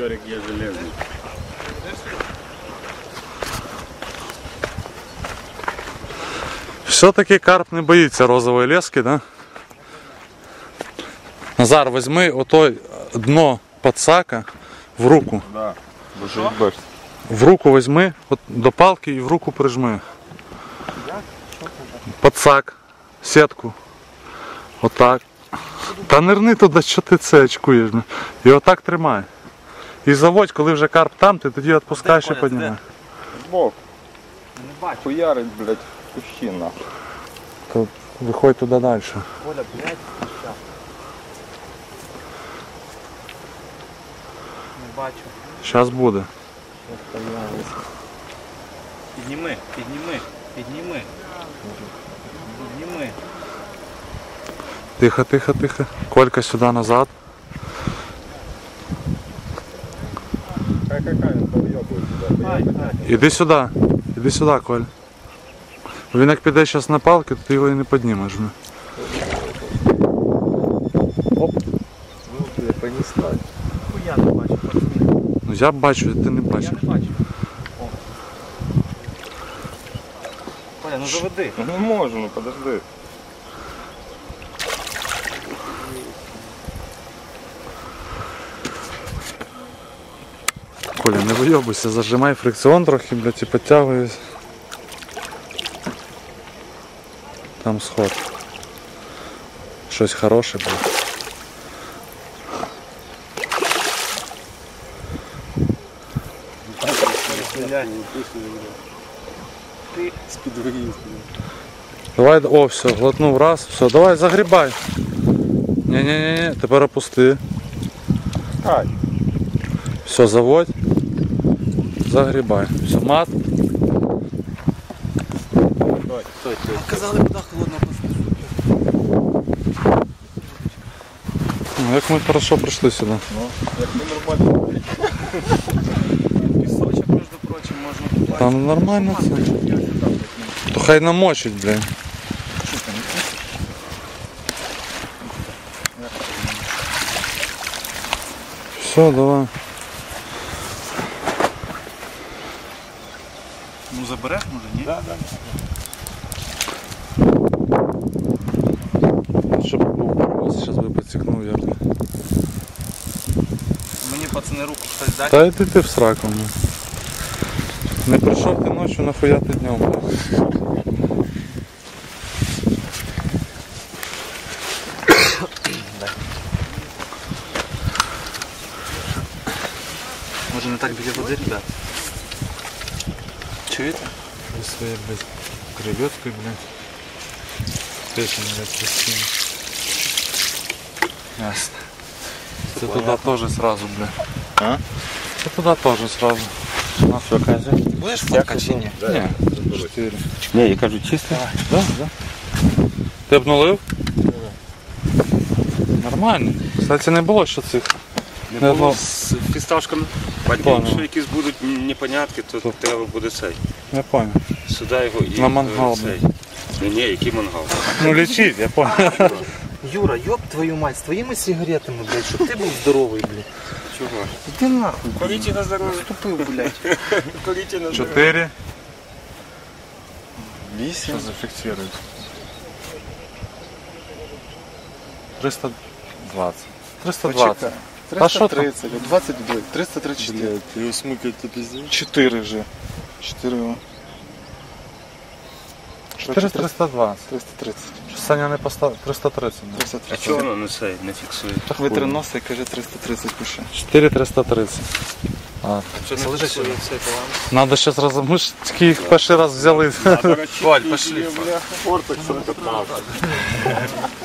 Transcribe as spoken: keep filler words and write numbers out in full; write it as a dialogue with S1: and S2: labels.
S1: Щорик є железний.
S2: Все-таки карп не боїться розової лески, да? Назар, візьми отой дно подсака в руку.
S1: Да.
S2: В руку візьми, от до палки і в руку прижми. Подсак, сітку. Отак. Та нирни туди, що ти це очкуєш. І отак тримай. І заводь, коли вже карп там, ти тоді відпускаєш і піднімаєш.
S1: Бог. Хуярить, блядь, кущі нахуй.
S2: То виходь туди далі.
S3: Коля, блядь, не бачу.
S2: Зараз буде.
S3: Підніми, підніми, підніми. Підніми.
S2: Тихо, тихо, тихо. Колька сюди назад.
S1: Хай, хай, хай, він повйобує сюди.
S3: Ай, ай.
S2: Іди сюди. Іди сюди, Коль. Він як піде зараз на палки, то ти його і не піднімеш.
S1: Оп. Ну, я понесла.
S3: Хуя не бачу, пацани.
S2: Ну я бачу, ти не
S3: Я
S2: бачиш.
S3: не бачу. О. Коля, ну заведи.
S1: Ну не можу, ну подожди.
S2: Коля, не вийобуйся, зажимай фрикціон трохи, блядь, і підтягуйся. Там сход. Щось хороше, блядь.
S3: Ти
S2: Давай, о, все, глотнув раз, все, давай, загрібай. Ні-ні-ні, тепер опусти.
S1: Ай.
S2: Все, заводь. Загрібай. Все, мат.
S1: Стой, стой,
S3: казали, вода холодна просто.
S2: Ну, як ми хорошо прийшли сюди.
S1: Ну, як ми нормально.
S3: Пісочок, між прочим, можна купати.
S2: Там нормально це. То хай намочить, блін. Все, давай.
S3: Ну забереш, може, ні?
S1: Да, да.
S2: Щоб був паровоз, зараз би підсікнув як.
S3: Мені, пацани, руку хтось дасть.
S2: Та йди ти в сраку. Ну. Не прийшов ти ночі, нахуя ти днем, блін.
S3: Може не так біля води, ребят? Чуєте?
S2: Зі своєю, блядь, креветкою, блядь. Печень, блядь, постійно. Ясно. Це туди теж сразу, блядь.
S1: А?
S2: Це туди теж сразу. На все, Казя.
S3: Будеш фоткати чи ні?
S2: Ні, чотири.
S1: Ні, я кажу чисто.
S2: Да, да. Ти обнулив? Нормально. Кстати, не було ще цих.
S4: Не
S2: Не
S4: було
S2: одно.
S4: з фісташками. Потім,
S2: Понял.
S4: якщо якісь будуть непонятки, то
S2: Тут.
S4: треба буде цей.
S2: Я понял.
S4: Сюди його і
S2: На мангал,
S4: е, цей. Ні, ні, який мангал?
S2: Ну лечить, я понял.
S3: Юра, ёб твою мать, з твоїми сигаретами, блядь, щоб ти був здоровий, блядь.
S4: Чого?
S3: Іди нахуй.
S4: Куріть на здоров'я.
S3: Тупив, блядь.
S4: Куріть на здоров'я.
S2: Чотири.
S1: Вісім.
S2: Зафіксирують. триста двадцять. триста двадцять. Та що там?
S5: триста тридцать, двадцать два, триста тридцать четыре.
S1: Ти його смикать, то пиздец.
S5: четыре вже. четыре его.
S2: чотири триста двадцять.
S5: триста тридцать.
S2: Саня не поставив. триста тридцять.
S5: триста
S4: А
S5: тридцать.
S4: чого воно не цей, не фіксує?
S5: Так витриноса і каже триста тридцать пише.
S2: чотири триста тридцять. А,
S4: Що не фіксує цей баланс?
S2: надо зараз разом. Ми ж тільки їх перший раз взяли.
S4: Валь, пошли.
S1: Фортекс,